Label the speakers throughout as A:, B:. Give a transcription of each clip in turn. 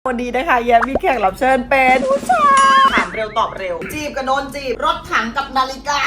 A: วันนี้นะคะแย้มมีแขกรับเชิญเป็นผู้ชายถามเร็วตอบเร็วจีบกับโดนจีบรถถังกับนาฬิกา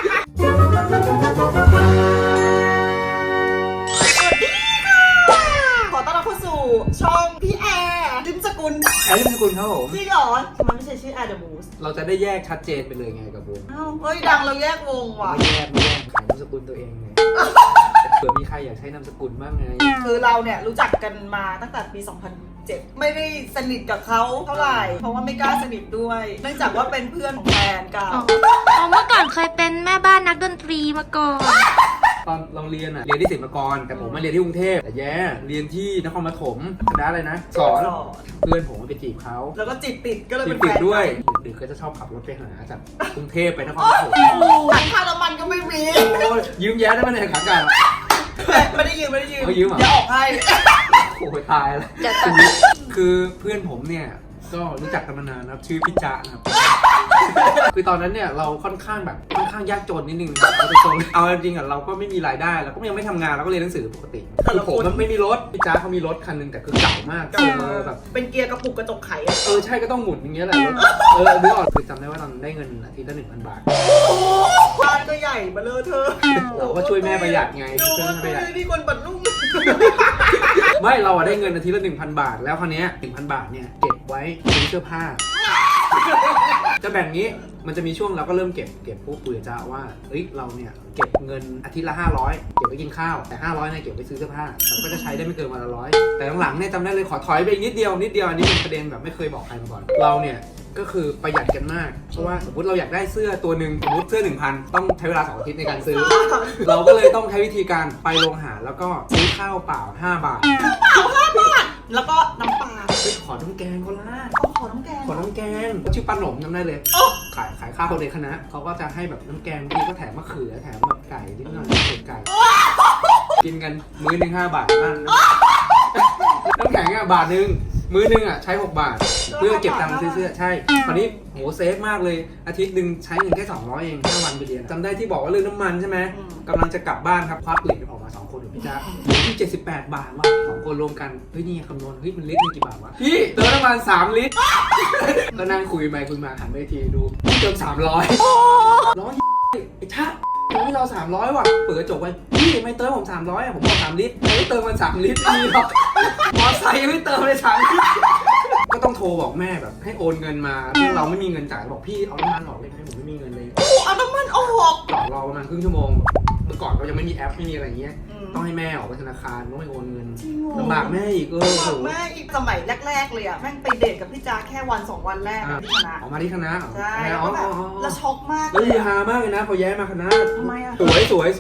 A: สวัสดีค่ะขอต้อนรับเข้าสู่ช่องพี่แอร์ลิมสกุล
B: แอร์ลิมสกุลครับผม
A: จริงเหรอทำไมไม่ใช่ชื่อแอร์เดอะมูส
B: เราจะได้แยกชัดเจนไปเลยไงกับวง
A: อ้าวเฮ้ยดังเราแยกวงว่ะ
B: ไม่แยกขายนามสกุลตัวเองไงเผื่อมีใครอยากใช้นามสกุลบ้างไง
A: คือเราเนี่ยรู้จักกันมาตั้งแต่ปี 2007 ไม่ได้สนิทกับเขาเท่าไหร่ เพราะว่าไม่กล้าสนิทด้วย เนื่องจากว่าเป็นเพื่อนของแฟนเก่า
C: เมื่อก่อนเคยเป็นแม่บ้านนักดนตรีมาก่อน
B: ตอนเราเรียนเรียนที่ศิลปากรแต่ผมมาเรียนที่กรุงเทพแต่แย่เรียนที่นครปฐมคณะอะไรนะสอนเพื่อนผมไปจีบเขา
A: แล้วก็จีบติดก็เลย
B: จี
A: เป็
B: บ
A: นแฟ
B: ติด
A: น
B: ด้วยดึกๆก็จะชอบขับรถไปหาจากกรุงเทพไปนครปฐม
A: หลังค่าน้ำมันก็ไม่มี
B: โอ้ยยืมแย้ได้ไหมเนี่ยขากลับ
A: ไม่ได้ยืม
B: เขายืมเหรอ
A: เดี๋ยวออกให้
B: โอ้ยตายแล้วคือเพื่อนผมเนี่ยก็รู้จักกันมานานนะครับชื่อพี่จ๊ะนะครับ คือตอนนั้นเนี่ยเราค่อนข้างยากจนนิดนึงเราเป็นคนเอาจริงๆเราก็ไม่มีรายได้เราก็ยังไม่ทำงานเราก็เรียนหนังสือปกติคือผมมันไม่มีรถพี่จ๊ะเขามีรถคันนึงแต่คือเก่ามากแบบ
A: เป็นเกียร์กระปุกกระจกไข
B: ใช่ก็ต้องหมุนอย่างเงี้ยแหละนึกออกคือจำได้ว่าตอนได้เงินอาทิตย์ละ 1,000 บาท
A: บ้านก็ใหญ่มาเลยเธอ
B: เราก็ช่วยแม่ประหยัดไง
A: ดู
B: ช่วย
A: ว่า
B: แม่ประหยัด
A: นี่คนบัตรลุ่ม
B: ไม่เราได้เงินอาทิตย์ละ 1,000 บาทแล้วคราวนี้ 1,000 บาทเนี่ยเก็บไว้ซื้อเสื้อผ้าจะแบ่งนี้มันจะมีช่วงเราก็เริ่มเก็บปุ๊บคุยกับจ้าว่าเฮ้ยเราเนี่ยเก็บเงินอาทิตย์ละ500เก็บไว้กินข้าวแต่500เนี่ยเก็บไว้ซื้อเสื้อผ้าเราก็จะใช้ได้ไม่เกินวันละ100แต่หลังๆเนี่ยจำได้เลยขอถอยไปนิดเดียวอันนี้เป็นประเด็นแบบไม่เคยบอกใครมาก่อนเราเนี่ยก็คือประหยัดกันมากเพราะว่าสมมติเราอยากได้เสื้อตัวหนึ่งสมมติเสื้อ 1,000 ต้องใช้เวลา2 อาทิตย์ในการซื้อ เราก็เลยต้องใช้วิธีการไปโรงอาหารแล้วก็ซื้อข้าวเปล่า5 บาท
A: แล้วก็น้ำปลา
B: ไปขอน้ำแกงก็ล่า
A: ขอน้ำแกง
B: ขอน้ำแกงชื่อป้าหนมจำได้เลยขายข้าวในคณะเขาก็จะให้แบบน้ำแกงบางทีก็แถมมะเขือแถมแบบไก่นิดหน่อยไก่กินกันมื้อหนึ่ง5 บาทนั่นน้ำแข็งบาทนึงมื้อนึงใช้6 บาทเพื่อเก็บตังค์ซื้อเสื้อใช่คราวนี้โหเซฟมากเลยอาทิตย์หนึ่งใช้เงินแค่200เอง5 วันไปเรียนจำได้ที่บอกว่าเรื่องน้ำมันใช่ไหมกำลังจะกลับบ้านครับควักเหรียญออกมา2 คนกับพี่จ๊ะที่78 บาทว่ะ2 คนรวมกันเฮ้ยนี่คำนวณเฮ้ยมันลิตรนึงกี่บาทวะพี่เติมน้ำมัน3 ลิตรก็นั่งคุยไปคุยมาหันไปทีดูเติม300ร้อยไอ้ชาเติมให้เรา300ว่ะเปิดกระจกไว้พี่ไม่เติมผม300ผมบอก3 ลิตรไม่เติมมัน3 ลิตรดีหรอกมอไซค์ไม่เติมเลย3 ลิตรก็ต้องโทรบอกแม่แบบให้โอนเงินมาซึ่งเราไม่มีเงินจ่ายบอกพี่เอาน้ำมันออกเลยไหมผมไม่มีเงินเลย
A: เอาน้ำมันออก
B: ต่อรอประมาณครึ่งชั่วโมงเมื่อก่อนเรายังไม่มีแอปไม่มีอะไรเงี้ยต้องให้แม่ออกไปธนาคารต้องไปโอนเงินลำบากแม่อีก
A: ลำบากแม่อีกสมัยแรกๆเลยแม่งไปเดทกับพี่จ๊าแค่วัน2 วันแรกที่คณะ
B: ออกมาที่คณะ
A: ใช่แล้วช็อกมาก
B: แล้วฮือฮามากเลยนะพอย้ายมาคณะ
A: ทำไมอะ
B: สวย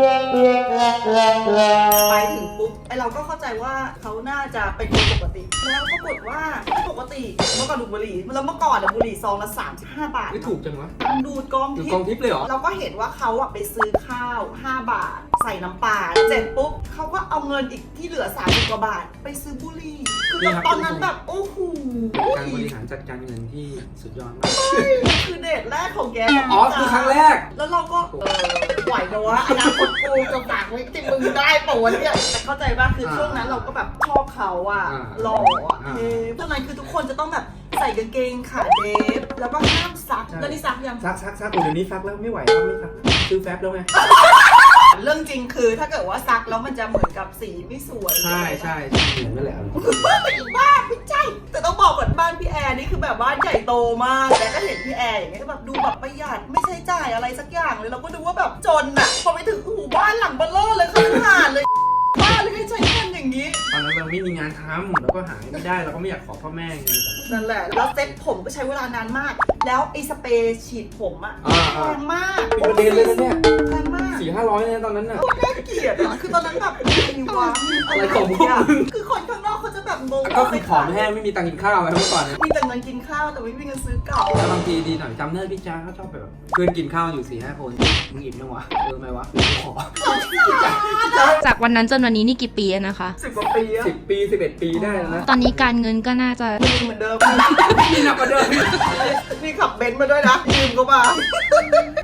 A: ไปถึงปุ๊บไอเราก็เข้าใจว่าเขาน่าจะเป็นคนปกติแล้วปรากฏว่าไม่ปกติเมื่อก่อนดูดบุหรี่แล้วเมื่อก่อนบุหรี่ซองละ35 บาท
B: ไม่ถูกจังวะ
A: ดูดกอง
B: ดู
A: ทิ
B: กอง
A: พย์
B: ทิพย์เลยเหรอ
A: เราก็เห็นว่าเขาไปซื้อข้าว5 บาทใส่น้ำปลาเสร็จปุ๊บเขาก็เอาเงินอีกที่เหลือ30 กว่าบาทไปซื้อบุหรี่คือตอนนั้นแบบโอ้โห
B: การบริหารจัดการเงินที่สุดยอดมาก
A: คือเดทแรกของแก
B: อ๋อคือครั้งแรก
A: แล้วเราก็ไหวนะวะอนาคตกูจะฝากไว้ที่มึงได้ปะวะเนี่ยแต่เข้าใจป่ะคือช่วงนั้นเราก็แบบชอบเขาหล่อเท่ตอนนั้นคือทุกคนจะต้องแบบใส่กางเกงขาเดฟแล้วก็ห้ามซักแล้วนี่ซักยัง
B: ซักเดี๋ยวนี้ซักแล้วไม่ไหวแล้วไม่ซักซื้อแฟบแล้วไง
A: เรื่องจริงคือถ้าเกิดว่าซักแล้วมันจะเหมือนกับสีไม่สวย
B: ใช่เหมือนนั่นแหละ
A: บ้านไม่ใช่แต่ต้องบอกก่อนบ้านพี่แอร์นี่คือแบบบ้านใหญ่โตมากแต่ก็เห็นพี่แอร์อย่างเงี้ยแบบดูแบบประหยัดไม่ใช้จ่ายอะไรสักอย่างเลยเราก็ดูว่าแบบจนพอไปถึงบ้านหลังเบลเลอร์เลยคือหาดเลยบ้านเลยให้ใช้เงินอย่างนี้
B: ตอนนั้นเราไม่มีงานทำเราก็หาไม่ได้เราก็ไม่อยากขอพ่อแม่ไง
A: นั่นแหละแล้วเซ็ตผมก็ใช้เวลานานมากแล้วไอ้สเปรย์ฉีดผมแพงมาก
B: เป็นประเด็นเลยนะเนี่ย
A: แพงมาก
B: 400-500เนี่ยตอนนั้นน่ะ
A: โคตรน่าเกลียดคือตอนนั้นแบบมีวะ
B: อะไรของพวกมึง
A: คือคนข้างนอกเขาจะแบบงง
B: ก็คือผอมแห้งไม่มีตังค์กินข้าวอะไรเมื่อก่อนเนี่ย
A: มีแต่เงินกินข้าวแต่ไม่มีเงินซื้อเก่า
B: แล้วบางทีดีหน่อยจำได้พี่จ้าเขาชอบแบบเพื่อนกินข้าวอยู่ 4-5 คนมึงอิ่มยังวะไหมวะขอ
C: จากวันนั้นจนวันนี้นี่กี่ปีแล้วนะคะ
A: 10 กว่าปีอะ
B: 10 ปี 11 ปีได้แล้วนะ
C: ตอนนี้การเงินก็น่าจะ
A: มีเหมือนเดิม
B: นี่หนักกว่าเดิม
A: นี่ขับเบนซ์มาด้วยนะยืมก็มา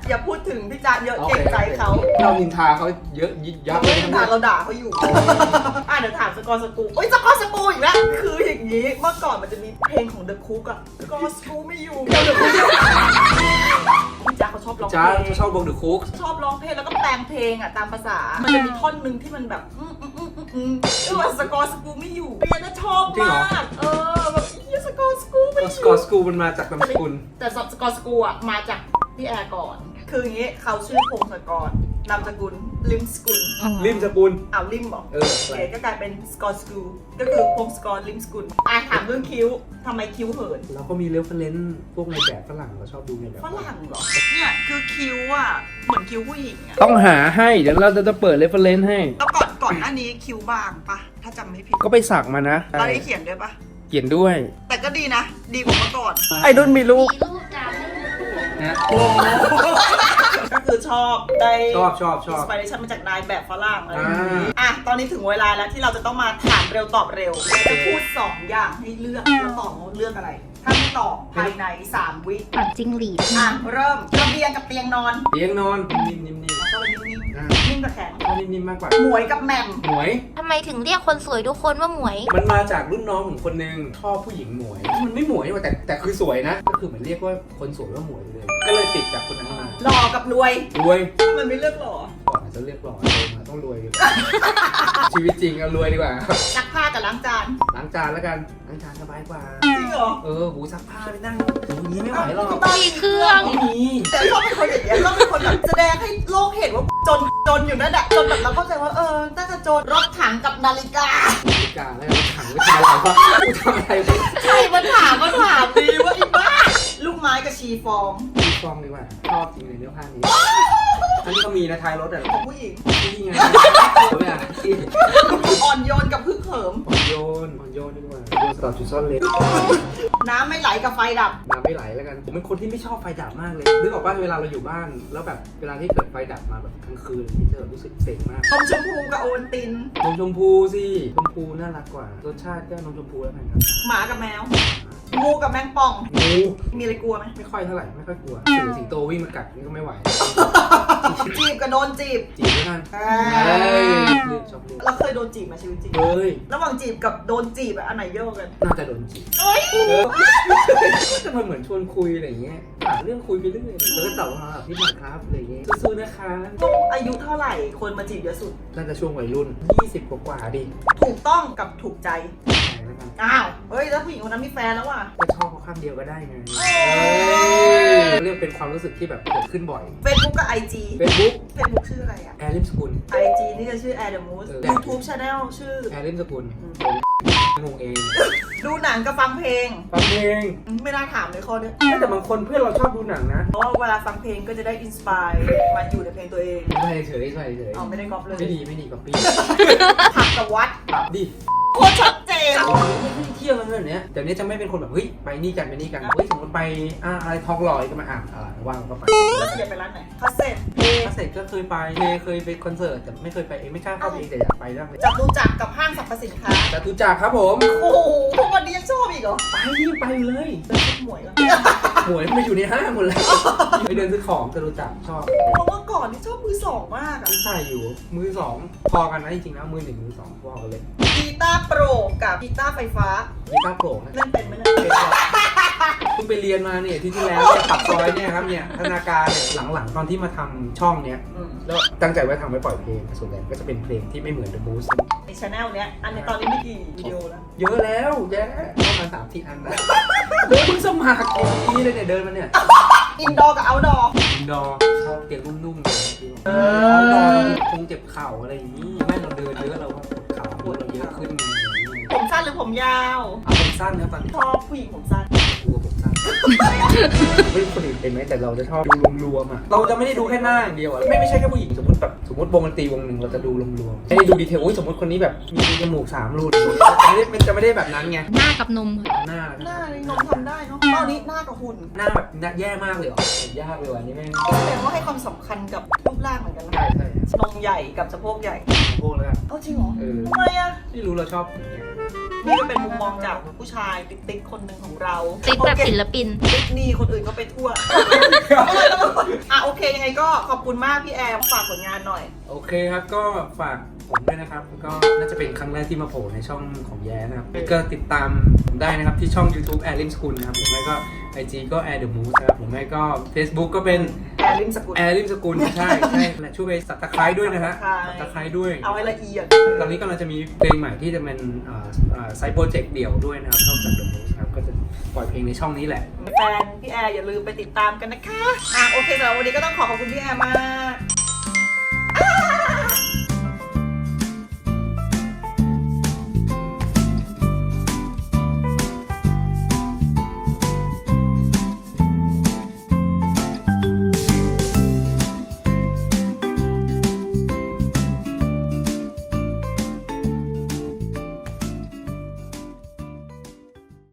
A: อย่าพูดถึงพี่จ๊ะเยอะเกรงใจเขา
B: เรานินทาเขาเยอะยิบยับ
A: ไม่ได้ถามเราด่าเขาอยู่ เดี๋ยวถามสกอร์สกูโอ้ยสกอร์สกูอีกแล้วคืออย่างนี้เมื่อก่อนมันจะมีเพลงของ The Cook อะสกอร์สกูไม่อยู่เดี๋ยว The Cook พี่จ๊ะเขาชอบร้องเพ
B: จ้า
A: ลง
B: ชอบวงเดอะคุก
A: ชอบร้องเพลงแล้วก็แปลงเพลงอะตามภาษา มันจะมีท่อนหนึ่งที่มันแบบว่าสกอร์สกูไม่อยู่เรียนน่ะชอบมากแบบสกอร์สกูไม่อยู่
B: สกอร์สกูมันมาจากนามสกุล
A: แต่สกอร์สกูอะมาจากพี่แอร์ก่อน คืออย่างนี้เขาชื่อพงศกรนามสกุลลิมสกุล
B: ริมสกุล
A: ลิมบอก
B: เออ
A: โอเคก็กลายเป็นสกอร์สกูก็คือพงศกรลิมสกุลถามเรื่องคิ้วทำไมคิ้วเหิน
B: เราก็มีเรฟเฟรนซ์พวกในแบบฝรั่งเราชอบดูในแบบ
A: ฝรั่งเหรอเนี่ยคือคิ้วอะเหมือนคิ้วผู้หญิงอะ
B: ต้องหาให้เดี๋ยวเราจะเปิดเรฟเฟรนซ์ให้
A: แล้วก่อนหน้านี้คิ้วบางปะถ้าจำไม่ผิด
B: ก็ไปสักมานะ
A: ตอนนี้เขียนด้วยปะ
B: เขียนด้วย
A: แต่ก็ดีนะ ดีกว่าเมื่อก่อน
B: ไอ้ดุนมีลูก
C: มีรูปจำ
B: นะ
A: ก็คือชอบได้
B: ชอบ
A: อินสปิเรชันมาจากนายแบบฝรั่งอะไร
B: อ่า
A: อย่างนี้ตอนนี้ถึงเวลาแล้วที่เราจะต้องมาถามเร็วตอบเร็วจะพูด2อย่างให้เลือกแล้วตอบว่าเลือกอะไร ถ้าไม่ตอบภายใน3 วิ
C: ปั่นจิ้งหรีด
A: เริ่มระเบียงกับเตียงนอน
B: เตียงนอนนิ่มๆ
A: แล้วก็นิ่ง
B: อ่า
A: ๆนิ่งกับแข็ง
B: ก็นิ่มๆมากกว่า
A: หมวยกับแหม่ม
B: หมวย
C: ทำไมถึงเรียกคนสวยทุกคนว่าหมวย
B: มันมาจากรุ่นน้องผมคนนึงชอบผู้หญิงหมวย มันไม่หมวยว่ะแต่คือสวยนะ ก็คือเหมือนเรียกว่าคนสวยว่าหมวยเลย ก็เลยติดจากคนนั้นมา
A: หล่อกับรวย
B: รวย
A: มันไม่เลือกหล่อ
B: ก่อนอาจจะเรียกหล่อโตมาต้องรวยดีกว่า ชีวิตจริงเอารวยดีกว่า
A: ซักผ้ากับล้างจาน
B: ล้างจานแล้วกันล้างจานสบายกว่า
A: จริงเหรอ
B: หูซักผ้าไปนั่งอย่างนี้ไม่ไหวหรอก
C: มีเครื่อง
B: ไม่มี
A: แต่ชอบเป็นคนอย่างเงี้ยชอบเป็นคนแบบแสดงให้โลกเห็นว่าจนอยู่นั่นแหละจนแบบเราเข้าใจว่าน่าจะจนรถถังกับนาฬิกา
B: นาฬิกาแล้วถังไว้ทำอะไรวะกูทำอะไรไป
A: ใช่มันถามดีว่าไอ้บ้าลูกไม้กับชีฟอง
B: ดูฟองดีกว่าชอบจริงเลยเนื้อผ้านี้อันนี้ก็มีนะท้ายรถอ่ะ
A: ของผู้หญิง
B: นี่ไงไม่อ่ะที่
A: อ่อนโยนกับพึ่งเหิม
B: อ่อนโยนดีกว่าโยนสลับจุดซ่อนเลน
A: น้ำไม่ไหลกับไฟดับ
B: น้ำไม่ไหลแล้วกันผมเป็นคนที่ไม่ชอบไฟดับมากเลยนึกออกป่ะเวลาเราอยู่บ้านแล้วแบบเวลาที่เกิดไฟดับมาแบบกลางคืนที่จะแบบรู้สึกเซ็งมาก
A: นมชมพูกับโอวัลติน
B: นมชมพูสิชมพูน่ารักกว่ารสชาติก็นมชมพูแล้วกันครับ
A: หมากับแมว งูกับแมงป่อง
B: งู
A: มีอะไรกลัวไหม
B: ไม่ค่อยเท่าไหร่ไม่ค่อยกลัวสิงโตวิ่งมากัดนี่ก็ไม่ไหว
A: จีบกับโดนจีบ
B: จีบแล้วกัน
A: อ่า
B: เฮ้ยเลือกชอบเลือก
A: เราเคยโดนจีบมาชีวิตจริง
B: เฮ้ย
A: ระหว่างจีบกับโดนจีบอันไหนเยอะกว่ากัน
B: น่าจะโดนจีบ
A: เอ้ย
B: ก็จะมาเหมือนชวนคุยอะไรอย่างเงี้ยหาเรื่องคุยไปเรื่อยแล้วก็ตอบว่าพี่หมากครับอะไรอย่างเงี้ยสู้ๆนะคะ
A: ต้องอายุเท่าไหร่คนมาจีบเยอะสุด
B: น่าจะช่วงวัยรุ่น20กว่าๆดิ
A: ถูกต้องกับถูกใจ
B: ใช่แล้วกัน
A: อ้าว เฮ้ย แล้วผู้หญิงคนนั้นมีแฟนแล้วว่ะ
B: ก็ชอบเขาข้างเดียวก็ได้ไงเรียกเป็นความรู้สึกที่แบบเกิดขึ้นบ่อย
A: Facebook กับ IG
B: Facebook
A: Facebook ชื่ออะไรอะ
B: แอร์ริมสกุล
A: IG นี่จะชื่อ Air the Moose YouTube Channel ชื่อ
B: แอร์ริมสกุลงงเอง
A: ดูหนังกับฟังเพลง
B: ฟังเพลง
A: ไม่น่าถามเลยข้อเนี้ย
B: แต่บางคนเพื่อนเราชอบดูหนังนะ
A: เพราะว่าเวลาฟังเพลงก็จะได้อินสปายมาอยู่ในเพลงตัวเอง
B: ไม่เฉย
A: ไม่ได้ก๊อปเลย
B: ไม่ดีกับปี
A: ผักกับวัด
B: ปรับดิ
A: โคตรชัดเจน
B: ไม่เที่ยวกันแบบเนี้ยเดี๋ยวนี้จะไม่เป็นคนแบบเฮ้ยไปนี่กันเฮ้ยสมมติไปอะไรทองหล่อก็มาว่างก็ไป
A: แล้วจะไปร้านไหนคาเซ็ต
B: ถ้าเสร็จก็เคยไปเคยไปคอนเสิร์ตแต่ไม่เคยไปเองไม่กล้าเข้าไปเองแต่อยากไปบ้างเลย
A: จับดูจักรกับห้างสรรพสินค้า
B: จตุจักรครับผม
A: โอ้โหทุกวันนี้ยังชอบอีกเหรอ
B: ไปนี่ไปเลย
A: เป็นชุดหมวยแล้ว
B: หวยมาอยู่ในห้างหมดเลยไปเดินซื้อของจตุจักรชอบ
A: เพราะว่าก่อนนี่ชอบมือสองมากอะ
B: ที่ใส่อยู่มือสองพอกันนะจริงๆแล้วมือหนึ่งมือสองพอกันเลย
A: กีตาร์โปรกับกีตาร์ไฟฟ้า
B: มีก้าวโปร่งนะ
A: เล่นเป็นไหมเนี่ย
B: เพิ่งไปเรียนมาเนี่ยที่แล้วเนี่ยปักซอยเนี่ยครับเนี่ยธนาการเนี่ยหลังๆตอนที่มาทำช่องเนี้ย แล้วตั้งใจไว้ทำไว้ปล่อยเพลงส่วนใหญ่ก็จะเป็นเพลงที่ไม่เหมือน The Boost
A: ในช anel เนี้ย อันนี้ตอนนี้มีกี่วิดีโอแล้ว
B: เยอะแล้วแย่ประมาณ3-4 อันแล้วเพิ่งสมัครเมื่อกี้เลยเนี่ยเดินมาเนี่ย
A: อินดอร์กับเอาท์ดอร์
B: อินดอร์ชอบเตียงนุ่มๆเลยเอาดอร์คงเจ็บเข่าอะไรอย่างนี้ไม่เราเดินเยอะเราก็เข่าปวดเราเยอะขึ้นไง
A: ผมสั้นหรือผมยาว
B: เอาผมสั้นนะตอนนี้
A: ชอบผู้หญิงผมสั้น
B: กลัวผมสั้นไม่รู้คนอื่นเป็นไหมแต่เราจะชอบดูรวมๆอ่ะเราจะไม่ได้ดูแค่หน้าอย่างเดียวอ่ะไม่ใช่แค่ผู้หญิงสมมติวงดนตรีวงหนึ่งเราจะดูรวมๆไม่ได้ดูดีเทลสมมติคนนี้แบบมีจมูก3 รูมันจะไม่ได้แบบนั้นไง
C: หน้ากับนม
B: หน้า
A: หน้านี่นมทำได้เนาะตอนนี้หน้ากับหุ่น
B: หน้าแบบแย่มากเลยเหรอยากเลยว่ะนี่แม่ง
A: แสดงว่าให้ความสำคัญกับรูปร่างเหมือนกันนะ
B: ใช่ใช่
A: นมใหญ่กับสะโพกใหญ่
B: พวกแล้ว
A: เอ้าจริงเหรอ
B: เออ
A: ทำไมอะ
B: ไม่รู้เราชอบอย่างเงี้ย
A: นี่ก็เป็นมุมมองจากผู้ชายติ๊กๆคนหนึ่งของเรา
C: ติ๊กแบบศิลปิน
A: ติ๊กนี่คนอื่นก็ไปทั่ว โอเคยังไงก็ขอบคุณมากพี่แอร์ฝากผลงานหน่อย
B: โอเคครับก็ฝากผมด้วยนะครับก็น่าจะเป็นครั้งแรกที่มาโผล่ในช่องของแย้นะครับก็ติดตามผมได้นะครับที่ช่อง YouTube Air Lim School นะครับผมแล้วก็ IG ก็ Air The Moose นะครับผมแล้วก็ Facebook ก็เป็น
A: แอร์ริมสกุล
B: Air Lim School ใช่และช่วยไปsubscribe ด้วยนะฮะ subscribe ด้วย
A: เอาให้ละเอียด
B: ตอนนี้กำลังจะมีเพลงใหม่ที่จะเป็นไซต์โปรเจกต์เดี่ยวด้วยนะครับนอกจาก The Moose ครับก็จะปล่อยเพลงในช่องนี้แหละ
A: แฟนพี่แอร์อย่าลืมไปติดตามกันนะคะโอเคสำหรับวันนี้ก็ต้องขอบคุณพี่แอร์มาก